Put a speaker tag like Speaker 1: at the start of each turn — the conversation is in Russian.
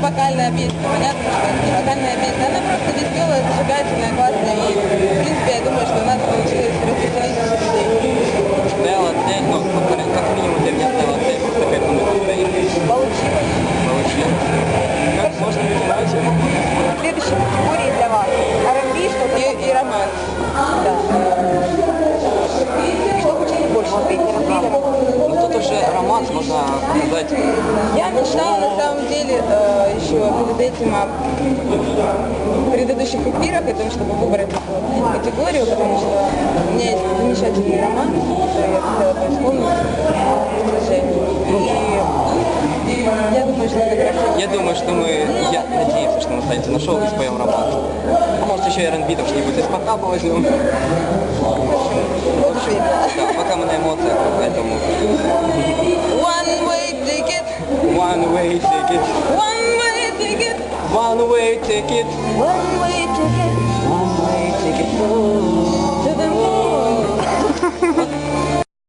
Speaker 1: вокальная песня, понятно, что это не вокальная песня, она просто веселая, зажигательная, классная, и, в принципе, я думаю, что у нас получилось развеселить людей.
Speaker 2: Стояла цель, ну, как минимум для меня стояла цель, просто кайфануть от своих.
Speaker 1: Получилось.
Speaker 2: Получилось. Как можно понимать?
Speaker 1: Следующая категория для вас. R&B, что-то и романс. Да. Что хотите больше смотреть, R&B или романс?
Speaker 2: Ну тут уже романс, можно сказать.
Speaker 1: Я мечтала на самом деле еще перед этим в предыдущих эфирах о том, чтобы выбрать эту категорию, потому что у меня есть замечательный роман, который я хотела бы исполнить, к сожалению. И я думаю, что это красиво.
Speaker 2: Я думаю, что я надеюсь, что мы останемся на шоу и споем романс. А может еще и R&B там что-нибудь из пока возьмем.
Speaker 1: Вот уж
Speaker 2: Да, пока мы на эмоциях, поэтому...
Speaker 1: One way ticket,
Speaker 2: One way ticket,
Speaker 1: one way ticket,
Speaker 2: one way ticket,
Speaker 1: one way ticket.
Speaker 2: one way ticket.